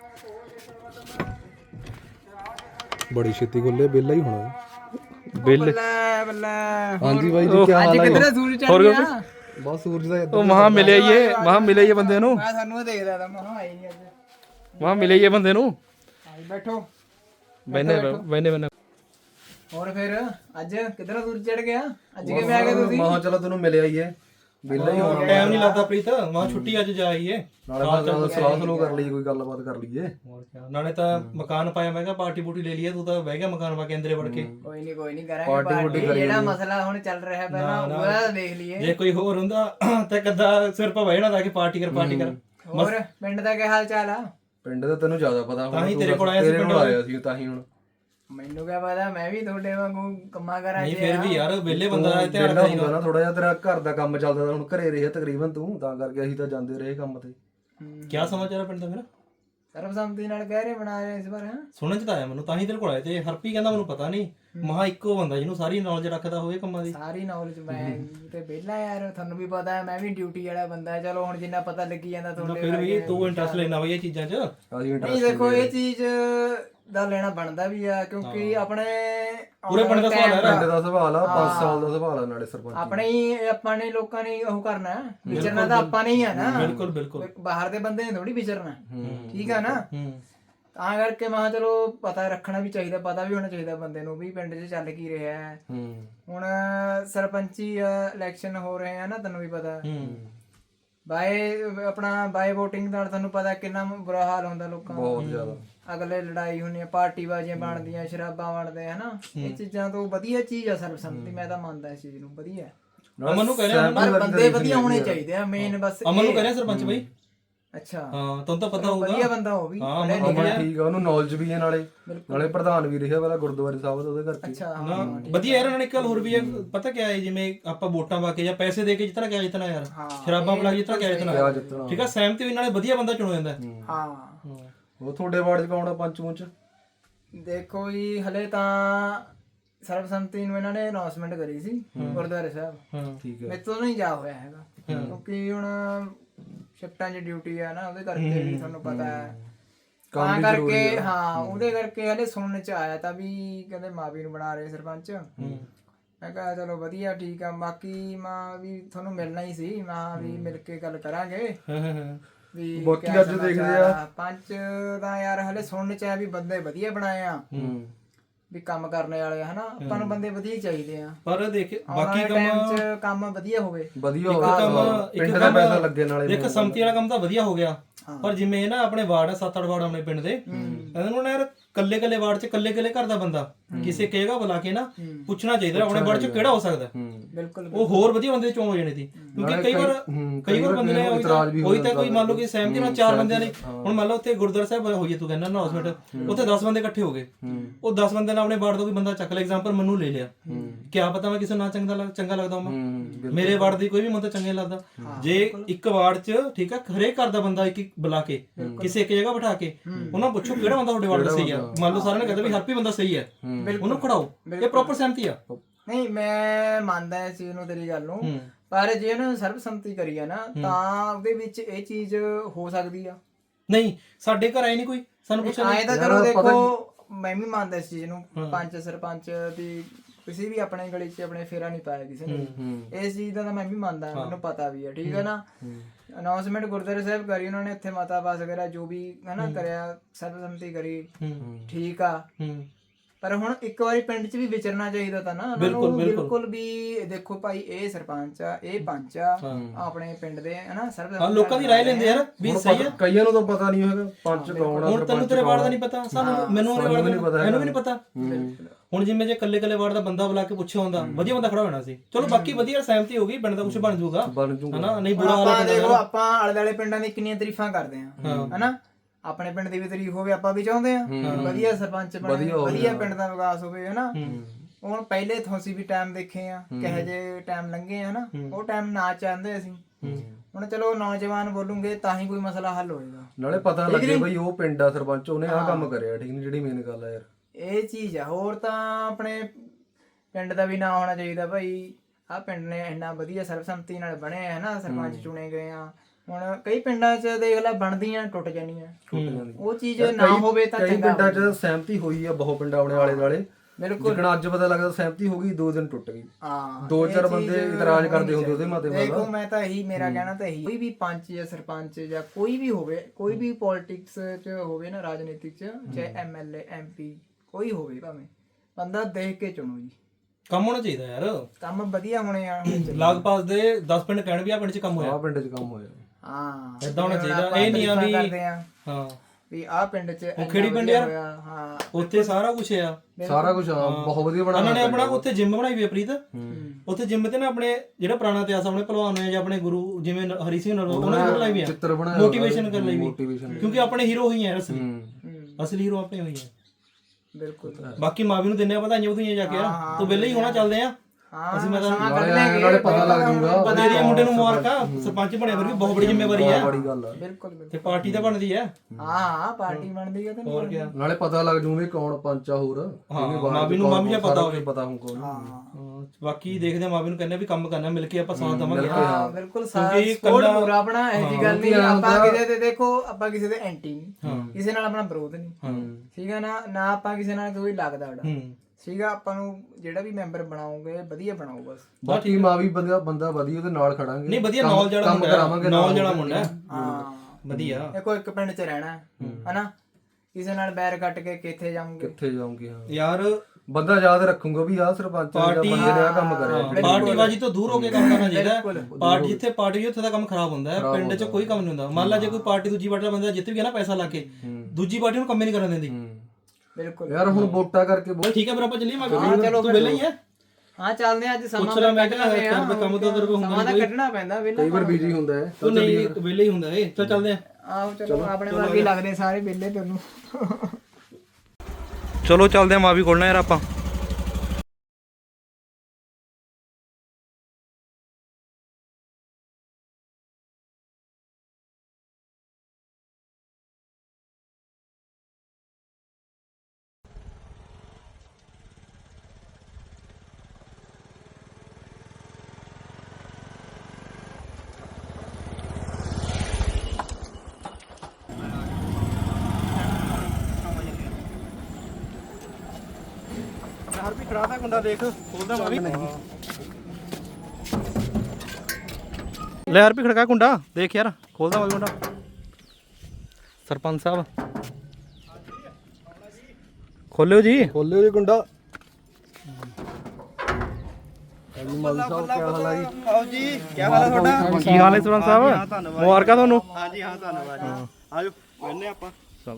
ਬੜੀ ਛੇਤੀ ਖੁੱਲੇ, ਵਿਹਲਾ ਹੀ ਹੋਣਾ।
ਬਿੱਲ
ਬੱਲੇ
ਹਾਂਜੀ ਬਾਈ ਜੀ, ਕੀ ਹਾਲ ਹੈ?
ਕਿੱਧਰ ਸੂਰਜ ਚੜ ਗਿਆ?
ਬਸ ਸੂਰਜ ਦਾ
ਉਹ ਮਹਾ ਮਿਲਿਆ ਹੀ ਬੰਦੇ ਨੂੰ।
ਮੈਂ ਸਾਨੂੰ ਦੇਖ ਰਿਹਾ ਤਾਂ ਮਹਾ ਆਈ ਨਹੀਂ ਅੱਜ।
ਮਹਾ ਮਿਲਿਆ ਹੀ ਬੰਦੇ ਨੂੰ।
ਆਈ ਬੈਠੋ।
ਬੈਨੇ
ਹੋਰ ਫਿਰ ਅੱਜ ਕਿੱਧਰ ਸੂਰਜ ਚੜ ਗਿਆ? ਅੱਜ ਕਿਵੇਂ ਆ ਗਏ ਤੁਸੀਂ?
ਮਾਂ ਚਲੋ ਤੈਨੂੰ ਮਿਲਿਆ ਹੀ ਹੈ, ਵਿਹਲਾ ਹੀ ਹੋਣਾ।
ਟਾਈਮ ਨਹੀਂ ਲੱਗਦਾ ਪ੍ਰੀਤ, ਮਾਂ ਛੁੱਟੀ ਅੱਜ ਜਾਈਏ।
ਨਾਲੇ ਸਲਾਹ ਸਲੂਹ ਕਰ ਲਈਏ, ਕੋਈ ਗੱਲਬਾਤ ਕਰ ਲਈਏ।
ਹੋਰ ਕੀ, ਨਾਲੇ ਤਾਂ ਮਕਾਨ ਪਾਇਆ। ਮੈਂ ਕਿਹਾ ਪਾਰਟੀ ਪੂਟੀ ਲੈ ਲਈਏ। ਤੂੰ ਤਾਂ ਬਹਿ ਗਿਆ ਮਕਾਨ ਪਾ ਕੇ ਅੰਦਰੇ ਵੜ ਕੇ।
ਕੋਈ ਨਹੀਂ ਕਰਾਂਗੇ ਪਾਰਟੀ। ਜਿਹੜਾ ਮਸਲਾ ਹੁਣ ਚੱਲ ਰਿਹਾ ਪਹਿਲਾਂ ਉਹ ਦੇਖ ਲਈਏ।
ਜੇ ਕੋਈ ਹੋਰ ਹੁੰਦਾ ਤਾਂ ਕਦਾ ਸਿਰ ਪਾ ਬਹਿਣਾ ਤਾਂ ਕਿ ਪਾਰਟੀ ਕਰ।
ਹੋਰ ਪਿੰਡ ਦਾ ਕੀ ਹਾਲ ਚਾਲ ਆ?
ਪਿੰਡ ਦਾ ਤੈਨੂੰ ਜ਼ਿਆਦਾ ਪਤਾ ਹੋਣਾ।
ਤਾਂ ਹੀ ਤੇਰੇ ਕੋਲ ਆਇਆ ਸੀ।
ਪਿੰਡ ਆਇਆ ਸੀ ਤਾਂ ਹੀ ਹੁਣ।
ਮੈਨੂੰ ਕਿਆ ਪਤਾ, ਮੈਂ ਵੀ ਤੁਹਾਡੇ ਵਾਂਗੂ ਕੰਮਾਂ ਕਰਾਂ।
ਨਹੀਂ ਫਿਰ ਵੀ ਯਾਰ, ਵਿਹਲੇ ਬੰਦਾ ਧਿਆਨ
ਵਿਹਲਾ ਹੁੰਦਾ ਨਾ ਥੋੜਾ ਜਿਹਾ। ਤੇਰਾ ਘਰ ਦਾ ਕੰਮ ਚੱਲਦਾ ਤਾਂ ਹੁਣ ਘਰੇ ਰਹੇ ਤਕਰੀਬਨ ਤੂੰ, ਤਾਂ ਕਰਕੇ ਅਸੀਂ ਤਾਂ ਜਾਂਦੇ ਰਹੇ ਕੰਮ ਤੇ।
ਕੀ ਸਮਾਚਾਰ ਹੈ ਪਿੰਡ ਦਾ ਮੇਰਾ?
ਸਰਬਸੰਮਤੀ ਨਾਲ ਕਹਿ ਰਹੇ ਬਣਾ ਰਹੇ ਇਸ ਵਾਰ।
ਸੁਣਨ ਚ ਤਾਂ ਆਇਆ ਮੈਨੂੰ, ਤਾਂ ਹੀ ਤੇਰੇ ਕੋਲ ਆਇਆ। ਤੇ ਹਰਪੀ ਕਹਿੰਦਾ ਮੈਨੂੰ ਪਤਾ ਨਹੀਂ। ਮਹਾ ਇੱਕੋ ਬੰਦਾ ਜਿਹਨੂੰ ਸਾਰੀ ਨੌਲੇਜ ਰੱਖਦਾ ਹੋਵੇ ਕੰਮਾਂ ਦੀ।
ਸਾਰੀ ਨੌਲੇਜ ਮੈਂ ਤੇ ਵਿਹਲਾ ਯਾਰ, ਤੁਹਾਨੂੰ ਵੀ ਪਤਾ ਹੈ ਮੈਂ ਵੀ ਡਿਊਟੀ ਵਾਲਾ ਬੰਦਾ। ਚਲੋ ਹੁਣ ਜਿੰਨਾ ਪਤਾ ਲੱਗੀ ਜਾਂਦਾ ਤੁਹਾਡੇ।
ਫਿਰ ਵੀ ਤੂੰ ਇੰਟਰਸਟ ਲੈਣਾ ਬਈ ਇਹ ਚੀਜ਼ਾਂ 'ਚ।
ਨਹੀਂ ਦੇਖੋ, ਇਹ ਚੀਜ਼ ਦਾ ਲੈਣਾ ਬਣਦਾ ਵੀ ਆ, ਕਿਉਂਕਿ ਆਪਣੇ
ਪੂਰੇ ਪਿੰਡ ਦਾ ਸਵਾਲ ਹੈ।
ਪਿੰਡ ਦਾ ਸਵਾਲ ਆ, 5 ਸਾਲ ਦਾ ਸਵਾਲ ਆ। ਨਾਲੇ ਸਰਪੰਚ
ਆਪਾਂ ਨੇ ਲੋਕਾਂ ਨੇ ਉਹ ਕਰਨਾ, ਵਿਚਰਨਾ ਤਾਂ ਆਪਾਂ ਨੇ ਹੀ ਆ ਨਾ।
ਬਿਲਕੁਲ ਬਿਲਕੁਲ।
ਬਾਹਰ ਦੇ ਬੰਦੇ ਨੇ ਥੋੜੀ ਵਿਚਰਨਾ, ਠੀਕ ਆ ਨਾ। ਤਾਂ ਕਰਕੇ ਮੈਂ ਚਲੋ ਪਤਾ ਰੱਖਣਾ ਵੀ ਚਾਹੀਦਾ, ਪਤਾ ਵੀ ਹੋਣਾ ਚਾਹੀਦਾ ਬੰਦੇ ਨੂੰ ਵੀ ਪਿੰਡ 'ਚ ਚੱਲ ਕੀ ਰਿਹਾ ਹੈ। ਹੁਣ ਸਰਪੰਚੀ ਇਲੈਕਸ਼ਨ ਹੋ ਰਹੇ ਆ ਨਾ, ਤੈਨੂੰ ਵੀ ਪਤਾ। ਬਾਏ ਵੋਟਿੰਗ ਨਾਲ ਤੁਹਾਨੂੰ ਪਤਾ ਕਿੰਨਾ ਬੁਰਾ ਹਾਲ ਹੁੰਦਾ ਲੋਕਾਂ ਦਾ।
ਬਹੁਤ ਜ਼ਿਆਦਾ।
ਅਗਲੇ ਲੜਾਈ ਹੁੰਦੀ ਆ, ਪਾਰਟੀ ਬਾਜ਼ੀਆਂ ਬਣਦੀਆਂ, ਸ਼ਰਾਬਾਂ ਬਣਦੇ ਹਨਾ। ਇਹ ਚੀਜ਼ਾਂ ਤੋਂ ਵਧੀਆ ਚੀਜ਼ ਆ ਸਰਬਸੰਮਤੀ। ਮੈਂ ਤਾਂ ਮੰਨਦਾ ਇਸ ਚੀਜ਼ ਨੂੰ, ਵਧੀਆ।
ਅਮਨ ਨੂੰ ਕਹਿ ਰਿਹਾ,
ਪਰ ਬੰਦੇ ਵਧੀਆ ਹੋਣੇ ਚਾਹੀਦੇ ਆ ਮੇਨ। ਬਸ
ਅਮਨ ਨੂੰ ਕਹਿ ਰਿਹਾ ਸਰਪੰਚ ਬਈ
ਅੱਛਾ
ਹਾਂ ਤੁਹਾਨੂੰ ਤਾਂ ਪਤਾ ਹੋਊਗਾ।
ਵਧੀਆ ਬੰਦਾ ਉਹ ਵੀ
ਹਾਂ
ਪੜ੍ਹਿਆ
ਮਨ
ਲਿਖਿਆ।
ਠੀਕ ਆ, ਉਹਨੂੰ ਨੌਲੇਜ ਵੀ ਹੈ, ਨਾਲੇ ਪ੍ਰਧਾਨ ਵੀ ਰਿਹਾ ਪਹਿਲਾਂ ਗੁਰਦੁਆਰੇ ਸਾਹਿਬ ਦਾ, ਉਹਦੇ ਕਰਕੇ।
ਅੱਛਾ
ਨਾ
ਹਾਂ
ਵਧੀਆ ਯਾਰ। ਉਹਨਾਂ ਨੇ ਇੱਕ ਗੱਲ ਹੋਰ ਵੀ ਹੈ, ਪਤਾ ਕਿਆ ਹੈ, ਜਿਵੇਂ ਆਪਾਂ ਵੋਟਾਂ ਪਾ ਕੇ ਜਾਂ ਪੈਸੇ ਦੇ ਕੇ ਜਿੱਤਣਾ ਕਿਆ ਜਿੱਤਣਾ ਯਾਰ, ਸ਼ਰਾਬਾਂ ਪਿਲਾ ਕੇ ਜਿੱਤਣਾ ਕਿਆ ਜਿੱਤਣਾ, ਠੀਕ ਆ। ਸਹਿਮਤੀ ਹੋਈ ਨਾਲੇ ਵਧੀਆ ਬੰਦਾ ਚੁਣਿਆ ਜਾਂਦਾ।
ਹਾਂ
ਉਹ ਤੁਹਾਡੇ ਵਾਰਡ 'ਚ ਕੌਣ ਆ ਪੰਚ ਪੁੰਚ?
ਦੇਖੋ ਜੀ ਹਲੇ ਤਾਂ ਸਰਬਸੰਮਤੀ ਨੂੰ ਇਹਨਾਂ ਨੇ ਅਨਾਉਂਸਮੈਂਟ ਕਰੀ ਸੀ ਗੁਰਦੁਆਰੇ ਸਾਹਿਬ।
ਠੀਕ ਹੈ।
ਮੇਰੇ ਤੋਂ ਨਹੀਂ ਜਾ ਹੋਇਆ ਹੈਗਾ ਕਿਉਂਕਿ ਹੁਣ ਸ਼ਿਫਟਾਂ 'ਚ ਡਿਊਟੀ ਆ ਨਾ, ਉਹਦੇ ਕਰਕੇ ਵੀ ਤੁਹਾਨੂੰ ਪਤਾ ਹੈ, ਤਾਂ ਕਰਕੇ ਹਾਂ ਉਹਦੇ ਕਰਕੇ ਹਲੇ ਸੁਣਨ 'ਚ ਆਇਆ ਤਾਂ ਵੀ ਕਹਿੰਦੇ ਮਾਵੀ ਨੂੰ ਬਣਾ ਰਹੇ ਸਰਪੰਚ। ਮੈਂ ਕਿਹਾ ਚਲੋ ਵਧੀਆ ਠੀਕ ਆ, ਬਾਕੀ ਮਾਂ ਵੀ ਤੁਹਾਨੂੰ ਮਿਲਣਾ ਹੀ ਸੀ, ਮਾਂ ਵੀ ਮਿਲ ਕੇ ਗੱਲ ਕਰਾਂਗੇ ਵੀ
ਬਾਕੀ
ਕਿਆ
ਅੱਜ ਦੇਖਦੇ
ਸਮਾਚਾਰ
ਆ।
ਪੰਚ ਦਾ ਯਾਰ ਹਲੇ ਸੁਣਨ 'ਚ ਆਇਆ ਵੀ ਬੰਦੇ ਵਧੀਆ ਬਣਾਏ ਆ, ਵੀ ਕੰਮ ਕਰਨ ਵਾਲੇ ਹਨਾ, ਆਪਾਂ ਨੂੰ ਬੰਦੇ ਵਧੀਆ ਚਾਹੀਦੇ ਆ।
ਪਰ ਦੇਖ
ਬਾਕੀ ਟਾਈਮ 'ਚ ਕੰਮ ਵਧੀਆ ਹੋਵੇ,
ਵਧੀਆ ਹੋਵੇ, ਪਿੰਡ ਦਾ ਪੈਸਾ ਲੱਗੇ ਨਾਲੇ।
ਦੇਖ ਸੰਮਤੀ ਵਾਲਾ ਕੰਮ ਤਾਂ ਵਧੀਆ ਹੋ ਗਿਆ, ਪਰ ਜਿਵੇਂ ਨਾ ਆਪਣੇ ਵਾਰਡ 7-8 ਵਾਰਡ ਆਪਣੇ ਪਿੰਡ ਦੇ, ਇਹਨਾਂ ਨੂੰ ਨਾ ਯਾਰ ਕੱਲੇ ਵਾਰਡ 'ਚ ਕੱਲੇ ਘਰ ਦਾ ਬੰਦਾ ਕਿਸੇ ਕਹੇਗਾ ਬੁਲਾ ਕੇ ਨਾ ਪੁੱਛਣਾ ਚਾਹੀਦਾ ਆਪਣੇ ਵਾਰਡ 'ਚ ਕਿਹੜਾ ਹੋ ਸਕਦਾ।
ਬਿਲਕੁਲ
ਉਹ ਹੋਰ ਵਧੀਆ ਬੰਦੇ ਦੀ ਚੋਣ ਹੋ ਜਾਣੀ ਸੀ, ਕਿਉਂਕਿ ਕਈ ਵਾਰ ਬੰਦੇ ਨੇ ਉਹੀ ਤਾਂ ਕੋਈ ਮੰਨ ਲਓ ਕਿ ਸਹਿਮਤੀ ਨਾਲ 4 ਬੰਦਿਆਂ ਨੇ, ਹੁਣ ਮੰਨ ਲਓ ਉੱਥੇ ਗੁਰਦੁਆਰਾ ਸਾਹਿਬ ਹੋਈ ਹੈ, ਤੂੰ ਕਹਿੰਦਾ ਨਾ ਹਸਪੀਟਲ, ਉੱਥੇ 10 ਬੰਦੇ ਇਕੱਠੇ ਹੋ ਗਏ, ਉਹ 10 ਬੰਦੇ ਨਾਲ ਆਪਣੇ ਵਾਰਡ ਤੋਂ ਕੋਈ ਬੰਦਾ ਚੱਕ ਲਿਆ, ਐਗਜ਼ਾਮਪਲ ਮੈਨੂੰ ਲੈ ਲਿਆ, ਕਿਆ ਪਤਾ ਮੈਂ ਕਿਸੇ ਨੂੰ ਨਾ ਚੰਗਾ ਲੱਗਦਾ ਹਾਂ, ਮੇਰੇ ਵਾਰਡ ਦੀ ਕੋਈ ਵੀ ਮੈਨੂੰ ਤਾਂ ਚੰਗਾ ਲੱਗਦਾ। ਜੇ ਇੱਕ ਵਾਰਡ 'ਚ ਠੀਕ ਆ ਹਰੇਕ ਘਰ ਦਾ ਬੰਦਾ ਇੱਕ ਬੁਲਾ ਕੇ ਕਿਸੇ ਇੱਕ ਜਗ੍ਹਾ ਬਿਠਾ ਕੇ ਉਹਨਾਂ ਪੁੱਛੋ ਕਿਹੜਾ ਬੰਦਾ ਤੁਹਾਡੇ ਵਾਰਡ ਦਾ ਸਹੀ ਆ, ਮੰਨ ਲਓ ਸਾਰਿਆਂ ਨੇ ਕਹਿੰਦਾ ਵੀ ਹੈਪੀ ਬੰਦਾ ਸਹੀ ਹੈ, ਉਹਨੂੰ ਖੜਾਓ, ਇਹ ਪ੍ਰੋਪਰ ਸਹਿਮਤੀ ਆ।
ਨਹੀਂ ਮੈਂ ਮੰਨਦਾ ਇਸ ਚੀਜ਼ ਨੂੰ, ਤੇਰੀ ਗੱਲ ਨੂੰ, ਪਰ ਜੇ ਉਹਨੇ ਸਰਬਸੰਮਤੀ ਕਰੀ ਆ ਨਾ ਤਾਂ ਉਹਦੇ ਵਿੱਚ ਇਹ ਚੀਜ਼ ਹੋ ਸਕਦੀ ਆ।
ਨਹੀਂ ਸਾਡੇ ਘਰ ਆਏ ਨਹੀਂ ਕੋਈ, ਸਾਨੂੰ ਪੁੱਛਿਆ
ਆਏ ਤਾਂ ਚਲੋ ਦੇਖੋ ਮੈਂ ਵੀ ਮੰਨਦਾ ਇਸ ਚੀਜ਼ ਨੂੰ, ਪੰਚ ਸਰਪੰਚ ਦੀ ਕਿਸੇ ਵੀ ਆਪਣੇ ਗਲੀ 'ਚ ਆਪਣੇ ਫੇਰਾ ਨਹੀਂ ਪਾਇਆ ਕਿਸੇ ਨੇ, ਇਸ ਚੀਜ਼ ਦਾ ਤਾਂ ਮੈਂ ਵੀ ਮੰਨਦਾ, ਮੈਨੂੰ ਪਤਾ ਵੀ ਹੈ, ਠੀਕ ਹੈ ਨਾ। ਅਨਾਉਂਸਮੈਂਟ ਗੁਰਦੁਆਰੇ ਸਾਹਿਬ ਕਰੀ ਉਹਨਾਂ ਨੇ, ਇੱਥੇ ਮਾਤਾ ਪਾਸ ਵਗੈਰਾ ਜੋ ਵੀ ਹਨਾ ਕਰਿਆ, ਸਰਬਸੰਮਤੀ ਕਰੀ, ਠੀਕ ਆ। ਪਰ ਹੁਣ ਇੱਕ ਵਾਰੀ ਪਿੰਡ 'ਚ ਵੀ ਵਿਚਰਨਾ ਚਾਹੀਦਾ ਤਾਂ ਨਾ ਬਿਲਕੁਲ ਵੀ, ਦੇਖੋ ਭਾਈ ਇਹ ਸਰਪੰਚ ਆ, ਇਹ ਪੰਚ ਆ ਆਪਣੇ ਪਿੰਡ ਦੇ ਹਨਾ, ਸਰਬਸੰਮਤੀ
ਲੋਕਾਂ ਦੀ ਰਾਏ ਲੈਂਦੇ ਯਾਰ ਵੀ ਸਹੀ ਆ।
ਕਈਆਂ ਨੂੰ ਤਾਂ ਪਤਾ ਨਹੀਂ ਹੈਗਾ ਪੰਚ ਕੌਣ ਆ।
ਹੁਣ ਤੈਨੂੰ ਤੇਰੇ ਵਾਰਡ ਦਾ ਨਹੀਂ ਪਤਾ, ਸਾਨੂੰ ਮੈਨੂੰ ਵੀ ਨਹੀਂ ਪਤਾ। ਹੁਣ ਜਿਵੇਂ ਜੇ ਕੱਲੇ ਵਾਰਡ ਦਾ ਬੰਦਾ ਬੁਲਾ ਕੇ ਪੁੱਛਿਆ ਹੁੰਦਾ, ਵਧੀਆ ਬੰਦਾ ਖੜਾ ਹੋਣਾ ਸੀ। ਚਲੋ ਬਾਕੀ ਵਧੀਆ ਸਹਿਮਤੀ ਹੋ ਗਈ, ਪਿੰਡ ਦਾ ਕੁਝ ਬਣ ਜਾਊਗਾ ਹਨਾ, ਨਹੀਂ ਬੁਰਾ ਹਾਲ
ਆਪਾਂ ਦੇਖੋ ਆਪਾਂ ਆਲੇ ਦੁਆਲੇ ਪਿੰਡਾਂ ਦੀ ਕਿੰਨੀਆਂ ਤਾਰੀਫਾਂ ਕਰਦੇ ਆ ਹਨਾ, ਆਪਣੇ ਪਿੰਡ ਦੀ ਵੀ ਤਾਰੀਫ ਹੋਵੇ, ਆਪਾਂ ਵੀ ਚਾਹੁੰਦੇ ਆ ਵਧੀਆ ਸਰਪੰਚ ਬਣੇ, ਵਧੀਆ ਪਿੰਡ ਦਾ ਵਿਕਾਸ ਹੋਵੇ ਹਨਾ। ਹੁਣ ਪਹਿਲੇ ਤੁਸੀਂ ਵੀ ਟਾਈਮ ਦੇਖੇ ਆ, ਕਿਹੋ ਜਿਹੇ ਟਾਈਮ ਲੰਘੇ ਹਨਾ, ਉਹ ਟਾਈਮ ਨਾ ਚਾਹੁੰਦੇ ਅਸੀਂ। ਹੁਣ ਚਲੋ ਨੌਜਵਾਨ ਬੋਲੂਗੇ ਤਾਂ ਹੀ ਕੋਈ ਮਸਲਾ ਹੱਲ ਹੋਏਗਾ,
ਨਾਲੇ ਪਤਾ ਲੱਗੇ ਬਈ ਉਹ ਪਿੰਡ ਦਾ ਸਰਪੰਚ ਉਹਨੇ ਆਹ ਕੰਮ ਕਰਿਆ, ਠੀਕ ਨੀ, ਜਿਹੜੀ ਮੇਨ ਗੱਲ ਆ ਯਾਰ
ਇਹ ਚੀਜ਼ ਆ। ਹੋਰ ਤਾਂ ਆਪਣੇ ਪਿੰਡ ਦਾ ਵੀ ਨਾਂ ਹੋਣਾ ਚਾਹੀਦਾ ਭਾਈ, ਆਹ ਪਿੰਡ ਨੇ ਇੰਨਾ ਵਧੀਆ ਸਰਬਸੰਮਤੀ ਨਾਲ ਬਣੇ ਹੈ ਨਾ, ਸਰਪੰਚ ਚੁਣੇ ਗਏ ਆ। ਹੁਣ ਕਈ ਪਿੰਡਾਂ 'ਚ ਦੇਖ ਲੈ ਬਣਦੀਆਂ ਟੁੱਟ ਜਾਂਦੀਆਂ, ਉਹ ਚੀਜ਼ ਨਾ ਹੋਵੇ ਤਾਂ
ਕਈ ਪਿੰਡਾਂ 'ਚ ਸਹਿਮਤੀ ਹੋਈ ਆ, ਬਹੁਤ ਪਿੰਡਾਂ ਆਪਣੇ ਆਲੇ ਦੁਆਲੇ,
ਬਿਲਕੁਲ।
ਜਿਕਣਾ ਅੱਜ ਪਤਾ ਲੱਗਦਾ ਸਹਿਮਤੀ ਹੋ ਗਈ, 2 ਦਿਨ ਟੁੱਟ ਗਈ, 2-4 ਬੰਦੇ ਇਤਰਾਜ਼ ਕਰਦੇ ਹੁੰਦੇ ਉਹਦੇ ਮਾਤੇ ਮਾਤਾ।
ਦੇਖੋ ਮੈਂ ਤਾਂ ਇਹੀ, ਮੇਰਾ ਕਹਿਣਾ ਤਾਂ ਇਹੀ, ਕੋਈ ਵੀ ਪੰਚ ਜਾਂ ਸਰਪੰਚ ਜਾਂ ਕੋਈ ਵੀ ਹੋਵੇ, ਕੋਈ ਵੀ ਪੋਲਿਟਿਕਸ 'ਚ ਹੋਵੇ ਨਾ, ਰਾਜਨੀਤਿਕ 'ਚ, ਚਾਹੇ MLA MP ਕੋਈ ਹੋਵੇ, ਭਾਵੇਂ ਬੰਦਾ ਦੇਖ ਕੇ ਚੁਣੋ ਜੀ,
ਕੰਮ ਹੋਣਾ ਚਾਹੀਦਾ ਯਾਰ,
ਕੰਮ ਵਧੀਆ ਹੋਣੇ ਆ।
ਲਾਗ ਪਾਸ ਦੇ 10 ਪਿੰਡ ਕਹਿਣ ਵੀ ਆ ਪਿੰਡ 'ਚ ਕੰਮ ਹੋਇਆ,
ਆਹ ਪਿੰਡ 'ਚ ਕੰਮ ਹੋਇਆ,
ਹਾਂ
ਏਦਾਂ ਹੋਣਾ ਚਾਹੀਦਾ। ਇਹ ਨਹੀਂ ਆ ਵੀ ਹਾਂ
ਵੀ ਆਹ ਪਿੰਡ 'ਚ
ਖੇੜੀ ਪਿੰਡ ਯਾਰ,
ਹਾਂ
ਉੱਥੇ ਸਾਰਾ ਕੁਝ ਆ,
ਸਾਰਾ ਕੁਝ ਬਹੁਤ ਵਧੀਆ ਬਣਾ
ਉਹਨਾਂ ਨੇ ਆਪਣਾ ਉੱਥੇ ਜਿਮ ਬਣਾਈ ਹੋਈ ਹੈ ਪ੍ਰੀਤ, ਉੱਥੇ ਜਿਮ ਤੇ ਨਾ ਆਪਣੇ ਜਿਹੜਾ ਪੁਰਾਣਾ ਇਤਿਹਾਸ ਆਪਣੇ ਪਹਿਲਵਾਨ ਹੋਏ ਜਾਂ ਆਪਣੇ ਗੁਰੂ ਜਿਵੇਂ ਹਰੀ ਸਿੰਘ ਨਲਵਾ, ਉਹਨਾਂ ਨੇ ਬਣਾਈ ਹੋਈ
ਚਿੱਤਰ
ਆ,
ਬਣਾਇਆ
ਮੋਟੀਵੇਸ਼ਨ ਕਰਨ ਲਈ ਵੀ, ਕਿਉਂਕਿ ਆਪਣੇ ਹੀਰੋ ਹੀ ਆ, ਅਸਲੀ ਹੀਰੋ ਆਪਣੇ ਹੋਈ ਆ।
ਬਿਲਕੁਲ।
ਬਾਕੀ ਮਾਵੀ ਨੂੰ ਦਿੰਨੇ ਆ ਵਧਾਈਆਂ ਜਾ ਕੇ ਯਾਰ, ਤੂੰ ਵਿਹਲੇ ਹੀ ਹੋਣਾ, ਚੱਲਦੇ ਆ ਅਸੀਂ। ਮੈਂ ਤਾਂ
ਨਾਲੇ ਪਤਾ ਲੱਗ ਜੂਗਾ
ਪਤਾ ਦੇ ਮੁੰਡੇ ਨੂੰ ਮੁਬਾਰਕਾਂ, ਸਰਪੰਚ ਬਣਿਆ ਫਿਰ ਵੀ ਬਹੁਤ ਬੜੀ ਜ਼ਿੰਮੇਵਾਰੀ ਹੈ,
ਬੜੀ ਗੱਲ ਆ,
ਬਿਲਕੁਲ
ਤੇ ਪਾਰਟੀ ਤਾਂ ਬਣਦੀ ਹੈ।
ਹਾਂ ਪਾਰਟੀ ਬਣਦੀ ਹੈ,
ਹੋਰ ਕੀ,
ਨਾਲੇ ਪਤਾ ਲੱਗ ਜੂ ਵੀ ਕੌਣ ਪੰਚ ਆ, ਹੋਰ
ਮਾਵੀ ਨੂੰ ਮਾਮੀ ਪਤਾ ਹੋਵੇ,
ਪਤਾ ਹੋਊ ਕੌਣ।
ਬਾਕੀ ਦੇਖਦੇ ਆ, ਮਾਵੀ ਨੂੰ ਕਹਿੰਦੇ ਵੀ ਕੰਮ ਕਰਨਾ ਮਿਲ ਕੇ, ਆਪਾਂ ਸਾਥ ਦਵਾਂਗੇ।
ਹਾਂ ਬਿਲਕੁਲ, ਸਪੋਰਟ ਪੂਰਾ ਆਪਣਾ, ਇਹੋ ਜਿਹੀ ਗੱਲ ਨਹੀਂ ਆਪਾਂ ਕਿਸੇ ਤੇ, ਦੇਖੋ ਆਪਾਂ ਕਿਸੇ ਦੇ ਐਂਟੀ ਨਹੀਂ, ਕਿਸੇ ਨਾਲ ਆਪਣਾ ਵਿਰੋਧ ਨਹੀਂ, ਠੀਕ ਹੈ ਨਾ, ਨਾ ਆਪਾਂ ਕਿਸੇ ਨਾਲ ਕੋਈ ਲੱਗਦਾ ਸਾਡਾ, ਠੀਕ ਆ। ਆਪਾਂ ਨੂੰ ਜਿਹੜਾ ਵੀ ਮੈਂਬਰ ਬਣਾਓਗੇ ਵਧੀਆ ਬਣਾਓ ਬਸ।
ਬਾਕੀ ਮਾਵੀ ਬੰਦਾ ਵਧੀਆ, ਉਹਦੇ ਨਾਲ ਖੜਾਂਗੇ,
ਨਹੀਂ ਵਧੀਆ ਨੌਲੇਜ ਵਾਲਾ ਮੁੰਡਾ, ਨੌਲੇਜ ਵਾਲਾ ਮੁੰਡਾ,
ਹਾਂ
ਵਧੀਆ।
ਦੇਖੋ ਇੱਕ ਪਿੰਡ 'ਚ ਰਹਿਣਾ ਹਨਾ, ਕਿਸੇ ਨਾਲ ਬੈਰ ਕੱਟ ਕੇ ਕਿੱਥੇ
ਜਾਉਂਗੇ ਹਾਂ
ਯਾਰ,
ਬੰਦਾ ਯਾਦ ਰੱਖੂਗਾ ਵੀ ਆਹ ਸਰਪੰਚ ਜਾਂ ਬੰਦੇ ਨੇ ਆਹ ਕੰਮ ਕਰਿਆ।
ਪਾਰਟੀਬਾਜ਼ੀ ਤੋਂ ਦੂਰ ਹੋ ਕੇ ਕੰਮ ਕਰਨਾ ਚਾਹੀਦਾ, ਪਾਰਟੀ ਜਿੱਥੇ ਪਾਰਟੀ ਉੱਥੇ ਦਾ ਕੰਮ ਖਰਾਬ ਹੁੰਦਾ ਹੈ, ਪਿੰਡ 'ਚ ਕੋਈ ਕੰਮ ਨਹੀਂ ਹੁੰਦਾ। ਮੰਨ ਲਾ ਜੇ ਕੋਈ ਪਾਰਟੀ ਦੂਜੀ ਪਾਰਟੀ ਦਾ ਬੰਦਾ ਜਿੱਤ ਵੀ ਗਿਆ ਨਾ ਪੈਸਾ ਲਾ ਕੇ, ਦੂਜੀ ਪਾਰਟੀ ਨੂੰ ਕੰਮ ਨਹੀਂ ਕਰਨ ਦਿੰਦੀ।
ਬਿਲਕੁਲ
ਯਾਰ ਹੁਣ ਵੋਟਾਂ ਕਰਕੇ
ਠੀਕ ਹੈ ਫਿਰ ਆਪਾਂ ਚੱਲੀਏ, ਮੈਂ
ਚਲੋ
ਤੂੰ ਵਿਹਲੇ ਹੀ ਹੈ।
ਹਾਂ ਚੱਲਦੇ ਆ, ਅੱਜ ਸਮਾਂ
ਪੁੱਛ ਲੈ, ਮੈਂ ਕਿਹਾ ਕੰਮ ਤੋਂ ਤੇਰੇ ਕੋਲ ਹੁੰਦਾ
ਕੱਢਣਾ ਪੈਂਦਾ,
ਕਈ ਵਾਰ ਬਿਜੀ ਹੁੰਦਾ ਹੈ,
ਤੂੰ ਨਹੀਂ ਵਿਹਲੇ ਹੀ ਹੁੰਦਾ ਏ, ਚੱਲ ਚੱਲਦੇ ਆ।
ਆਹੋ ਚਲੋ ਆਪਣੇ ਵਰਗੇ ਲੱਗਦੇ ਸਾਰੇ ਵਿਹਲੇ ਤੈਨੂੰ।
ਚਲੋ ਚੱਲਦੇ ਆ ਮਾਵੀ ਕੋਲ ਨਾ ਯਾਰ ਆਪਾਂ।
ਹਰ ਵੀ ਖੜਾ ਤਾਂ ਗੁੰਡਾ ਦੇਖ ਖੋਲਦਾ ਮਾਵੀ।
ਲੈ ਯਾਰ ਵੀ ਖੜਕਾ ਕੁੰਡਾ ਦੇਖ ਯਾਰ, ਖੋਲਦਾ ਮਾਵੀ ਕੁੰਡਾ। ਸਰਪੰਚ ਸਾਹਿਬ ਖੋਲਿਓ ਜੀ।
ਖੋਲਿਓ ਜੀ ਗੁੰਡਾ। ਹਾਂਜੀ ਮਾਲੀ ਸਾਹਿਬ ਕੀ ਹਾਲ ਹੈ ਜੀ?
ਆਓ ਜੀ, ਕੀ ਹਾਲ ਹੈ ਤੁਹਾਡਾ?
ਕੀ ਹਾਲ ਹੈ ਸਰਪੰਚ ਸਾਹਿਬ?
ਧੰਨਵਾਦ।
ਮੁਬਾਰਕਾਂ ਤੁਹਾਨੂੰ।
ਹਾਂਜੀ ਹਾਂ ਧੰਨਵਾਦ ਜੀ। ਆਜੋ ਬੈਠਨੇ ਆਪਾਂ।
ਚਲੋ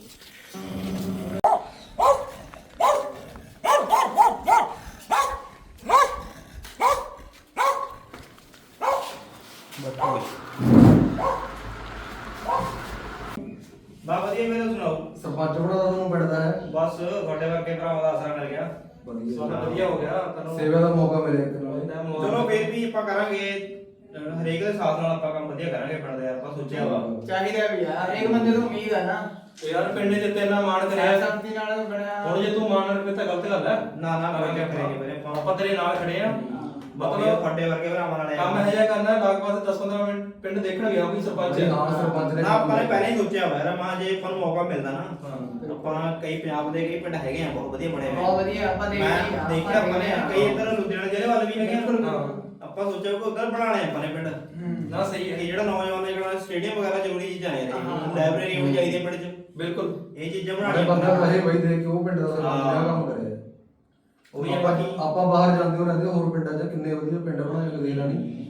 ਬਾ ਵਧੀਆ, ਮੇਰੇ ਸੁਣਾਓ।
ਸਰਪੰਚ ਬਣਾ ਦਾ ਤੁਹਾਨੂੰ ਪਿੰਡਦਾ ਹੈ।
ਬਸ ਤੁਹਾਡੇ ਵਰਗੇ ਭਰਾਵਾਂ ਦਾ ਆਸਰਾ ਮਿਲ ਗਿਆ।
ਵਧੀਆ
ਵਧੀਆ ਹੋ ਗਿਆ ਤੁਹਾਨੂੰ।
ਸੇਵਾ ਦਾ ਮੌਕਾ ਮਿਲਿਆ ਇੱਕ ਨਾਲ।
ਚਲੋ ਫਿਰ ਵੀ ਆਪਾਂ ਕਰਾਂਗੇ, ਹਰੇਕ ਦੇ ਸਾਥ ਨਾਲ ਆਪਾਂ ਕੰਮ ਵਧੀਆ ਕਰਾਂਗੇ ਪਿੰਡ ਦੇ। ਆਪਾਂ ਸੋਚਿਆ ਵਾ
ਚਾਹੀਦਾ ਵੀ ਆ, ਹਰੇਕ ਬੰਦੇ ਤੋਂ ਉਮੀਦ ਆ ਨਾ।
ਯਾਰ ਪਿੰਡ ਨੇ ਤੇ ਇੰਨਾ ਮਾਣ ਕਰਿਆ,
ਸ਼ਾਂਤੀ ਨਾਲ ਬਣਿਆ।
ਹੁਣ ਜੇ ਤੂੰ ਮਾਣ ਰੱਖੇ ਤਾਂ ਗਲਤ ਗੱਲ ਹੈ।
ਨਾ ਕੋਈ ਨਹੀਂ ਕਰਾਂਗੇ ਵੀਰੇ ਆਪਾਂ।
ਆਪਾਂ ਤੇਰੇ ਨਾਲ ਖੜੇ ਆ।
ਮਤਲਬ
ਮਤਲਬ
ਤੁਹਾਡੇ ਵਰਗੇ ਭਰਾਵਾਂ ਨਾਲ
ਕੰਮ ਇਹ ਜਿਹਾ ਕਰਨਾ, ਲਗਭਗ 10-15 ਮਿੰਟ ਪਿੰਡ ਦੇਖਣ ਗਿਆ ਕੋਈ ਸਰਪੰਚ ਹੈ।
ਹਾਂ ਸਰਪੰਚ ਨੇ
ਨਾ ਆਪਾਂ ਨੇ ਪਹਿਲਾਂ ਹੀ ਸੋਚਿਆ ਵਾ ਯਾਰ, ਮਾਂ ਜੇ ਆਪਾਂ ਨੂੰ ਮੌਕਾ ਮਿਲਦਾ ਨਾ, ਆਪਾਂ ਕਈ ਪੰਜਾਬ ਦੇ ਕਈ ਪਿੰਡ ਹੈਗੇ ਆ ਬਹੁਤ ਵਧੀਆ ਬਣੇ ਹੋਏ।
ਬਹੁਤ ਵਧੀਆ, ਆਪਾਂ
ਮੈਂ ਦੇਖਿਆ ਆਪਾਂ ਨੇ ਕਈ ਇੱਧਰ ਲੁਧਿਆਣਾ ਜ਼ਿਲ੍ਹੇ ਵੱਲ ਵੀ ਹੈਗੇ ਆ। ਆਪਾਂ ਸੋਚਿਆ ਕਿ ਉਧਰ ਬਣਾਣੇ ਆਪਾਂ ਨੇ ਪਿੰਡ।
ਨਾ ਸਹੀ ਹੈ।
ਇਹ ਜਿਹੜਾ ਨੌਜਵਾਨ ਨੇ ਜਿਹੜਾ ਸਟੇਡੀਅਮ ਵਗੈਰਾ ਜ਼ਰੂਰੀ ਚੀਜ਼ਾਂ ਨੇ, ਲਾਇਬ੍ਰੇਰੀ ਹੋਣੀ ਚਾਹੀਦੀ ਹੈ ਪਿੰਡ 'ਚ।
ਬਿਲਕੁਲ
ਇਹ ਚੀਜ਼ਾਂ
ਬੜੇ
ਬਣਾਉਣੀਆਂ
ਬੰਦਾ ਕਹੇ ਬਈ ਦੇ ਕੇ ਉਹ ਪਿੰਡ ਦਾ ਸਰਪੰਚ ਦਾ ਕੰਮ ਕਰਿਆ।
ਉਹੀ ਆ
ਆਪਾਂ
ਬਾਕੀ।
ਆਪਾਂ ਬਾਹਰ ਜਾਂਦੇ ਹੋ ਰਹਿੰਦੇ ਹੋਰ ਪਿੰਡਾਂ 'ਚ ਕਿੰਨੇ ਵਧੀਆ ਪਿੰਡ ਬਣਾਏ ਕਦੇ ਨਾ ਨਹੀਂ।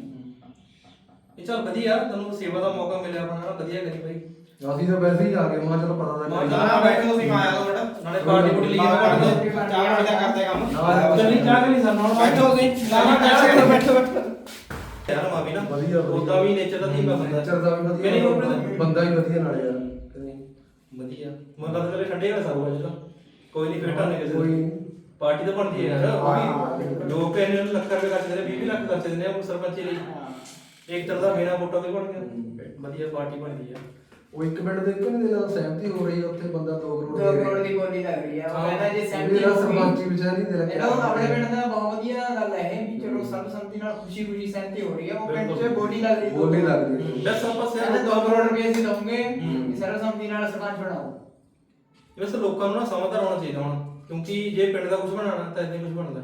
ਇਹ ਚੱਲ ਵਧੀਆ, ਤੈਨੂੰ ਸੇਵਾ ਦਾ ਮੌਕਾ ਮਿਲਿਆ ਆਪਣਾ, ਵਧੀਆ ਕਰੀ ਬਾਈ।
ਅਸੀਂ ਤਾਂ ਵੈਸੇ ਹੀ ਆ ਗਏ, ਮੈਂ ਚਲੋ ਪਤਾ
ਮੈਂ
ਤਾਂ
ਨਾ ਬੈਠੋ ਤੁਸੀਂ, ਮੈਂ ਆਇਆ ਦੋ ਮਿੰਟ।
ਨਾਲੇ ਪਾਰਟੀ ਪੁੱਟੀ ਲਈ
ਚਾਹ ਪਾਣੀ ਦਾ ਕਰਦੇ ਕੰਮ।
ਨਹੀਂ ਚਾਹ ਨਹੀਂ ਸਾਨੂੰ ਹੁਣ
ਬੈਠੋ ਤੁਸੀਂ। ਨਾ ਬੈਠੋ ਯਾਰ ਮਾਵੀ ਨਾ
ਵਧੀਆ
ਉਹਦਾ ਵੀ ਨੇਚਰ ਦਾ ਧੀਮਾ ਬੰਦਾ।
ਨੇਚਰ ਦਾ ਵੀ
ਮੇਰੀ
ਵਧੀਆ
ਉਮਰ
ਬੰਦਾ ਹੀ ਵਧੀਆ ਨਾਲ ਯਾਰ।
ਵਧੀਆ ਮਤਲਬ ਤਾਂ ਕਦੇ ਠੰਡੇ ਹੋਇਆ ਸਾਰੂ ਅੱਜ ਤਾਂ ਕੋਈ ਨਹੀਂ ਫੇਟਾ ਨਹੀਂ ਕਿਸੇ
ਕੋਈ
ਦੀ। ਪਾਰਟੀ ਤਾਂ ਬਣਦੀ ਹੈ ਯਾਰ। ਉਹ ਵੀ ਲੋਕ ਇਹਨੇ ਲੱਖ ਰੁਪਏ ਖਰਚ ਦਿੰਦੇ, 20 ਲੱਖ ਖਰਚ ਦਿੰਦੇ ਆ ਸਰਪੰਚੀ ਲਈ। ਇੱਕ ਤਰ੍ਹਾਂ ਦਾ ਬਿਨਾ ਵੋਟਾਂ ਤੇ ਬਣ ਗਿਆ, ਵਧੀਆ ਪਾਰਟੀ ਬਣਦੀ ਆ।
ਉਹ ਇੱਕ ਮਿੰਟ ਦੇ ਇੱਕ ਨਹੀਂ ਨਾਲ ਸਹਿਮਤੀ ਹੋ ਰਹੀ ਹੈ ਉੱਥੇ, ਬੰਦਾ 2 ਕਰੋੜ
2 ਕਰੋੜ ਦੀ ਬੋਲੀ ਲੱਗ ਰਹੀ ਆ। ਉਹ ਕਹਿੰਦਾ ਜੇ ਸਹਿਮਤੀ
ਇਹਦਾ
ਹੋਊਗੀ,
ਸਰਪੰਚੀ ਵਿਚਾਰ ਨਹੀਂ ਦੇ ਰੱਖਿਆ।
ਇਹਦਾ ਆਪਣੇ ਪਿੰਡ ਦਾ ਬਹੁਤ ਵਧੀਆ ਗੱਲ ਹੈ ਇਹ ਵੀ ਚਲੋ ਸਰਬਸੰਮਤੀ ਨਾਲ ਖੁਸ਼ੀ ਸਹਿਮਤੀ ਹੋ ਰਹੀ ਹੈ। ਉਹ ਪਿੰਡ 'ਚ ਬੋਲੀ ਲੱਗ ਰਹੀ ਹੈ।
ਬੋਲੀ ਲੱਗ ਰਹੀ ਹੈ।
ਬਸ ਆਪਾਂ
ਕਹਿੰਦੇ 2 ਕਰੋੜ ਰੁਪਏ ਅਸੀਂ ਦਵਾਂਗੇ ਕਿ ਸਰਬਸੰਮਤੀ ਨਾਲ ਸਰਪੰਚ ਬਣਾਓ।
ਵੈਸੇ ਲੋਕਾਂ ਨੂੰ ਨਾ ਸਮਝਦਾਰ ਹੋਣਾ ਚਾਹੀਦਾ ਹੁਣ, ਕਿਉਂਕਿ ਜੇ ਪਿੰਡ ਦਾ ਕੁਝ ਬਣਾਉਣਾ ਤਾਂ ਇੱਥੇ ਕੁਝ ਬਣਦਾ।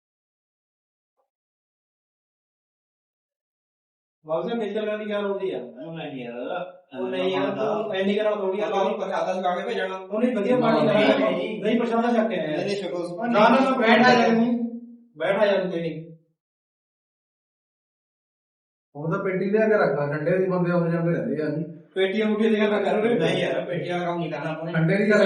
ਵਾਜ਼ੇ ਨੇਚਰ ਨਾਲ ਦੀ ਗੱਲ ਹੁੰਦੀ ਆ।
ਉਹ ਨਹੀਂ ਯਾਰ,
ਉਹ ਨਹੀਂ ਯਾਰ, ਤੂੰ ਐਨੀ ਕਰਾ ਥੋੜੀ ਆ।
ਉਹਨੂੰ ਪ੍ਰਸ਼ਾਦਾ ਛਕਾ ਕੇ ਭੇਜਣਾ।
ਉਹਨੇ ਵਧੀਆ ਪਾਰਟੀ ਕਰਾਈ, ਨਹੀਂ ਪ੍ਰਸ਼ਾਦਾ ਛੱਕ ਕੇ ਆਇਆ।
ਇਹਨੇ ਛਕੋ।
ਨਾ ਬੈਠਾ ਜਾ
ਬੈਠਾ ਜਾਂਦੇ ਨਹੀਂ।
ਉਹ ਤਾਂ ਪੇਟੀ ਲਿਆ ਕੇ ਰੱਖਾ, ਠੰਡੇ ਦੀ ਬੰਦੇ ਹੋ ਜਾਂਦੇ ਰਹਿੰਦੇ ਆ ਜੀ।
ਪੇਟੀਆਂ ਮੁੱਠੀਆਂ ਦੇ ਕਰ ਕਰੋਗੇ।
ਨਹੀਂ ਯਾਰ, ਪੇਟੀਆਂ ਦਾ ਕੰਮ ਨਹੀਂ ਕਰਨਾ ਆਪਾਂ ਨੇ।
ਠੰਡੇ ਦੀ ਗੱਲ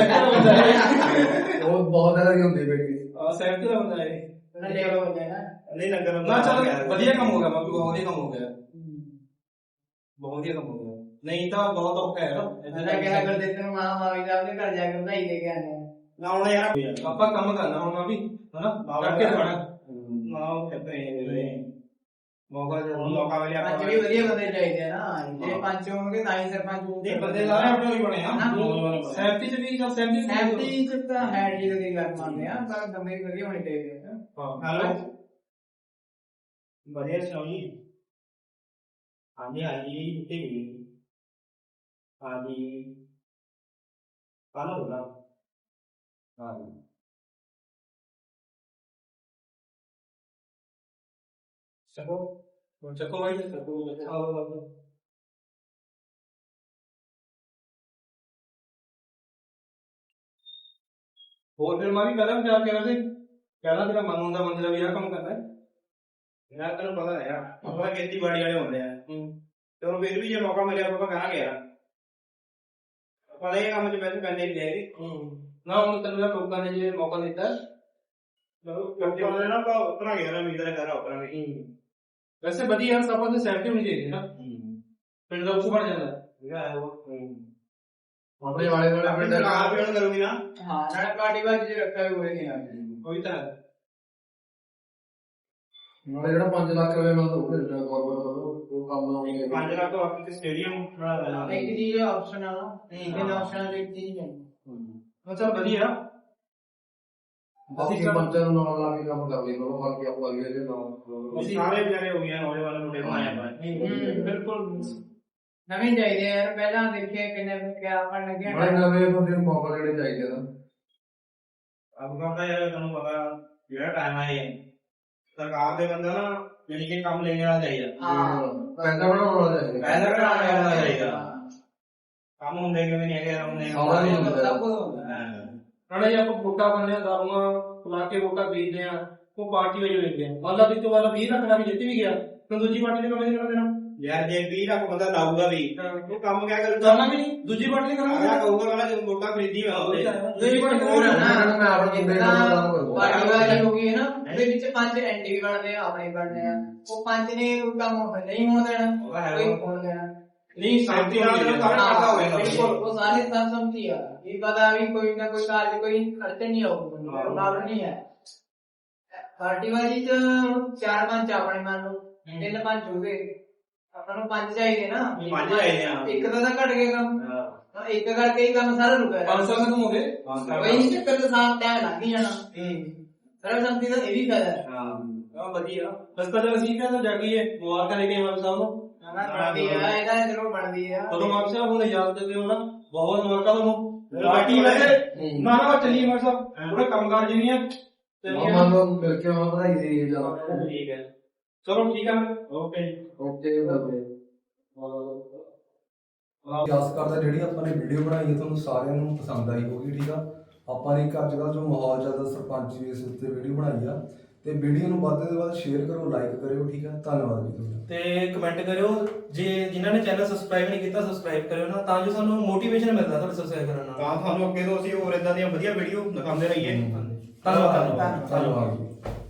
ਕਰਦਾ ਉਹ ਬਹੁਤ ਜ਼ਿਆਦਾ ਦੀ ਹੁੰਦੀ ਪੇਟੀ।
ਸਹਿਮਤੀ ਦਾ ਹੁੰਦਾ ਹੈ।
ਲੇਵਲ ਹੋ ਜਾਏ ਨਾ।
ਨਹੀਂ ਲੰਗਰ
ਨਾ ਚੱਲ ਵਧੀਆ ਕੰਮ ਹੋ ਗਿਆ, ਬਾਕੀ ਬਹੁਤ ਵਧੀਆ ਕੰਮ ਹੋ ਗਿਆ। ਬਹੁਤ ਵਧੀਆ ਕੰਮ ਹੋ ਗਿਆ, ਨਹੀਂ ਤਾਂ ਬਹੁਤ ਔਖਾ ਹੈ
ਮੈਂ ਕਿਹਾ ਕਰ ਦਿੱਤੇ ਨੂੰ ਮਾਂ ਮਾਵੀ ਦਾ ਆਪਣੇ ਘਰ ਜਾ ਕੇ ਵਧਾਈ ਦੇ ਕੇ ਆਨੇ
ਨਾ ਹੁਣ ਯਾਰ
ਆਪਾਂ ਕੰਮ ਕਰਨਾ ਹੁਣ ਮੈਂ ਵੀ ਹਨਾ ਕਰਕੇ ਦਿਖਾਣਾ।
ਨਾ ਉਹ ਕਹਿੰਦੇ ਮੌਕਾ ਜੇ ਹੁਣ ਮੌਕਾ ਮਿਲਿਆ
ਪੰਜ ਵੀ ਵਧੀਆ ਬੰਦੇ ਚਾਹੀਦੇ ਆ ਨਾ। ਜੇ ਪੰਜ ਹੋਣਗੇ ਤਾਂ ਹੀ ਸਰਪੰਚ ਹੋਊਗੇ।
ਬੰਦੇ ਸਾਰੇ ਆਪਣੇ ਹੀ ਬਣੇ ਆ।
ਸਹਿਮਤੀ ਚ ਵੀ ਚੱਲ
ਸਹਿਮਤੀ ਚ ਤਾਂ ਹੈ ਜੀ ਦੀ ਗੱਲ ਮੰਨਦੇ ਆ, ਪਰ ਬੰਦੇ ਵੀ ਵਧੀਆ ਹੋਣੇ ਚਾਹੀਦੇ ਆ।
ਹੈਲੋ ਵਧੀਆ ਸੁਣਾਓ ਜੀ। ਹਾਂਜੀ ਹਾਂਜੀ ਠੀਕ ਹਾਂਜੀ ਕਾਹਨੂੰ ਬੋਲਾ ਹਾਂਜੀ
ਚੱਕੋ ਭਾਈ ਚੱਕੋ। ਹੋਰ ਫਿਰ ਮੈਂ ਵੀ ਪਹਿਲਾਂ ਵਿਚਾਰ ਕਰਿਆ ਸੀ, ਪਹਿਲਾਂ ਤੇਰਾ ਮਨ ਹੁੰਦਾ ਮੰਜ਼ਿਲਾ ਵੀ ਆਹ ਕੰਮ ਕਰਨਾ ਹੈ।
ਯਾਰ ਤੈਨੂੰ ਪਤਾ ਹੈ ਯਾਰ, ਆਪਾਂ ਖੇਤੀਬਾੜੀ ਵਾਲੇ ਹੁੰਦੇ ਆ ਤੇ ਹੁਣ ਫਿਰ ਵੀ ਜੇ ਮੌਕਾ ਮਿਲਿਆ ਆਪਾਂ ਕਰਾਂਗੇ ਯਾਰ। ਆਪਾਂ ਇਹ ਕੰਮ 'ਚ ਵੈਸੇ ਪੈਂਦੇ ਨਹੀਂ ਜਾਏਗੀ।
ਨਾ ਹੁਣ ਤੈਨੂੰ ਲੋਕਾਂ ਨੇ ਜੇ ਮੌਕਾ ਦਿੱਤਾ
ਲੋਕਾਂ ਨੇ ਨਾ ਉਤਰਾਂਗੇ ਯਾਰ, ਉਮੀਦ ਹੈ ਕਰਾ ਉਤਰਾਂਗੇ।
ਵੈਸੇ ਵਧੀਆ ਸਭ ਤੋਂ ਸੈਫਟੀ ਹੋਣੀ ਚਾਹੀਦੀ ਹੈ ਨਾ, ਪਿੰਡ ਦਾ ਕੁਝ ਬਣ ਜਾਂਦਾ।
ਆਪਣੇ ਵਾਲੇ ਵਾਲੇ ਪਿੰਡ
ਕਾਰ ਵੀ ਕਰੂਗੀ ਨਾ
ਹਾਂ ਨਾਲੇ ਪਾਰਟੀ ਬਾਜੀ ਰੱਖਿਆ ਵੀ ਹੋਏ
ਕੋਈ ਤਾਂ
ਨਾਲੇ ਜਿਹੜਾ 5 ਲੱਖ ਰੁਪਏ ਨਾਲ ਉਹ ਮਿਲਦਾ ਗਵਰਨਮੈਂਟ ਵੱਲੋਂ ਉਹ ਕੰਮ ਲਾਉਣੀ
5 ਲੱਖ ਤੋਂ ਆਪਣੀ ਸਟੇਡੀਅਮ ਬਣਾ ਦੇਣਾ
ਇੱਕ ਚੀਜ਼ ਆਪਸ਼ਨ ਆ ਤਿੰਨ ਆਪਸ਼ਨ ਇੱਕ ਚੀਜ਼ ਨਹੀਂ
ਅੱਛਾ ਵਧੀਆ
ਬਾਕੀ ਪੰਚਾਂ ਨੂੰ ਨਾਲ ਲਾ ਕੇ ਕੰਮ ਕਰ ਲਈ ਲੋ ਬਾਕੀ ਆਪਾਂ ਅਗਲੇ ਦੇ ਨਾਲ
ਅਸੀਂ ਸਾਰੇ ਵਿਚਾਰੇ ਹੋ ਗਏ ਨੌਜਵਾਨ ਮੁੰਡੇ ਬਣਾਇਆ ਪਰ
ਬਿਲਕੁਲ ਨਵੇਂ ਚਾਹੀਦੇ ਯਾਰ ਪਹਿਲਾਂ ਦੇਖਿਆ ਕਿੰਨੇ ਕਿਆ ਆਪਣ ਲੱਗਿਆ
ਬੜੇ ਨਵੇਂ ਬੰਦੇ ਨੂੰ ਮੌਕਾ ਦੇਣੇ ਚਾਹੀਦੇ ਨਾ
ਅਬ ਦਾ ਯਾਰ ਤੁਹਾਨੂੰ ਪਤਾ ਜਿਹੜਾ ਟਾਈਮ ਆਇਆ ਸਰਕਾਰ ਦੇ ਬੰਦਾ ਨਾ ਜਿਹੜੀ ਕਿ ਕੰਮ ਲੈਣ ਵਾਲਾ ਚਾਹੀਦਾ
ਪੈਸਾ ਬਣਾਉਣ ਵਾਲਾ ਚਾਹੀਦਾ
ਪੈਸਾ ਕਢਾਉਣ ਵਾਲਾ ਚਾਹੀਦਾ ਕੰਮ ਹੁੰਦੇ ਕਿਵੇਂ ਨਹੀਂ ਹੈਗੇ ਹੁੰਦੇ
ਆਉਣਾ ਨਹੀਂ ਹੁੰਦਾ
ਸਭ ਕੁਝ ਹੁੰਦਾ
ਨਾਲੇ ਜੇ ਆਪਾਂ ਵੋਟਾਂ ਪਾਉਂਦੇ ਆ ਦਾਰੂਆਂ ਲਾ ਕੇ ਵੋਟਾਂ ਵੇਚਦੇ ਆ ਉਹ ਪਾਰਟੀ ਵਜੋਂ ਵੇਚਦੇ ਆ ਮੰਨ ਲਾ ਵੀ ਤੋਂ ਬਾਅਦ 20 ਲੱਖ ਦਾ ਵੀ ਜਿੱਤ ਵੀ ਗਿਆ ਤਾਂ ਦੂਜੀ ਪਾਰਟੀ ਨੇ ਕੰਮ ਨਹੀਂ ਕਰਨਾ ਦੇਣਾ
ਯਾਰ ਜੇ 20 ਲੱਖ ਬੰਦਾ ਲਾਊਗਾ ਵੀ ਉਹ ਕੰਮ ਕਿਆ ਕਰੂਗਾ
ਕਰਨਾ ਵੀ ਨਹੀਂ ਦੂਜੀ ਪਾਰਟੀ ਨੇ ਕਰਨਾ
ਅਗਲਾ ਕਹੂਗਾ ਮੈਂ ਜਦੋਂ ਵੋਟਾਂ ਖਰੀਦੀ ਮੈਂ ਉਹਦੇ
ਦੂਜੀ ਪਾਰਟੀ
ਹੋਰ
ਨੇ
ਨਾ
ਮੈਂ ਆਪਣੇ ਬੰਦੇ ਨਾਲ ਕੰਮ ਕਰੂੰਗਾ
ਪਾਰਟੀ ਵਾਲੀ ਹੋ ਗਈ ਹੈ ਨਾ ਉਹਦੇ ਵਿੱਚ 5 ਐਂਟੀ ਵੀ ਬਣਦੇ ਆ ਆਪਣੇ ਬਣਦੇ ਆ ਉਹ 5 ਨੇ ਉਹ ਕੰਮ ਨਹੀਂ ਹੋਣ ਦੇਣਾ ਕੋਈ ਹੋਣ ਦੇਣਾ
ਨਹੀਂ ਸ਼ਾਂਤੀ ਨਾਲ ਕੰਮ ਕਰਦਾ ਹੋਵੇਗਾ
ਬਿਲਕੁਲ ਉਹ ਸਾਰੇ ਸਰਸੰਮਤੀ ਆ ਇਹ ਪਤਾ ਵੀ ਕੋਈ ਨਾ ਕੋਈ ਕਾਰਜ ਕੋਈ ਖਰਚ ਨਹੀਂ ਆਊਗਾ ਲਾਭ ਨਹੀਂ ਹੈ ਪਾਰਟੀ ਵਾਲੀ ਚ 4-5 ਆਪਣੇ ਮੰਨ ਲਓ 3-5 ਹੋਵੇ ਆਪਾਂ ਨੂੰ 5 ਚਾਹੀਦੇ ਨਾ
5 ਚਾਹੀਦੇ ਆ
ਇੱਕ ਤਾਂ ਘਟ ਗਿਆ ਕੰਮ ਇੱਕ ਕਰਕੇ ਹੀ ਕੰਮ ਸਾਰਾ ਰੁਕਿਆ
500 ਖਤਮ ਹੋ ਗਏ
ਕੋਈ ਨਹੀਂ ਚੱਕਰ ਤਾਂ ਸਾਫ ਟਾਈਮ ਲੱਗ ਹੀ ਜਾਣਾ ਸਰਬਸੰਮਤੀ ਦਾ ਇਹ ਵੀ ਫਾਇਦਾ ਹੈ
ਹਾਂ ਵਧੀਆ
ਰਸਤਾ ਜਦ ਅਸੀਂ ਕਹਿੰਦਾ ਜਾਗੀਏ ਮੁਬਾਰਕਾਂ ਲੈ ਕੇ ਮਾਨ ਸਾਹਿਬ ਨੂੰ
ਬਣਦੀ ਆ ਇਹਦਾ ਜ਼ਰੂਰ ਬਣਦੀ ਆ
ਚਲੋ ਮਾਨ ਸਾਹਿਬ ਹੁਣ ਯਾਦ ਕਰਦੇ ਹੋ ਨਾ ਬਹੁਤ ਮੁਬਾਰਕਾਂ ਤੁਹਾਨੂੰ
ਪਾਰਟੀ ਵੈਸੇ
ਨਾ ਨਾ ਚੱਲੀ ਮਾਨ ਸਾਹਿਬ ਪੂਰੇ ਕੰਮਕਾਰ ਜਿਹੀਆਂ
ਮਾਮਾ ਨੂੰ ਮਿਲ ਕੇ ਆਉਣਾ ਵਧਾਈ ਦੇ ਜਾ
ਠੀਕ ਹੈ
ਚਲੋ ਠੀਕ ਆ
ਓਕੇ
ਓਕੇ ਬਾਬੇ ਆਸ ਕਰਦਾ ਜਿਹੜੀ ਆਪਾਂ ਨੇ ਵੀਡੀਓ ਬਣਾਈ ਹੈ ਤੁਹਾਨੂੰ ਸਾਰਿਆਂ ਨੂੰ ਪਸੰਦ ਆਈ ਹੋਗੀ ਠੀਕ ਆ ਆਪਾਂ ਨੇ ਇੱਕ ਅੱਜ ਕੱਲ੍ਹ ਜੋ ਮਾਹੌਲ ਚੱਲਦਾ ਸਰਪੰਚ ਇਸ ਉੱਤੇ ਵੀਡੀਓ ਬਣਾਈ ਆ ਤੇ ਵੀਡੀਓ ਨੂੰ ਵੱਧ ਤੋਂ ਵੱਧ ਸ਼ੇਅਰ ਕਰੋ ਲਾਈਕ ਕਰਿਓ ਠੀਕ ਆ ਧੰਨਵਾਦ ਜੀ ਤੁਹਾਡਾ
ਤੇ ਕਮੈਂਟ ਕਰਿਓ ਜੇ ਜਿਨ੍ਹਾਂ ਨੇ ਚੈਨਲ ਸਬਸਕ੍ਰਾਈਬ ਨਹੀਂ ਕੀਤਾ ਸਬਸਕ੍ਰਾਈਬ ਕਰਿਓ ਨਾ ਤਾਂ ਜੋ ਸਾਨੂੰ ਮੋਟੀਵੇਸ਼ਨ ਮਿਲਦਾ ਤੁਹਾਡੇ ਸਬਸਕ੍ਰਾਈਬ ਕਰਨ ਨਾਲ
ਤਾਂ ਤੁਹਾਨੂੰ ਅੱਗੇ ਤੋਂ ਅਸੀਂ ਹੋਰ ਇਦਾਂ ਦੀਆਂ ਵਧੀਆ ਵੀਡੀਓ ਦਿਖਾਉਂਦੇ ਰਹੀਏ
ਧੰਨਵਾਦ
ਧੰਨਵਾਦ ਜੀ।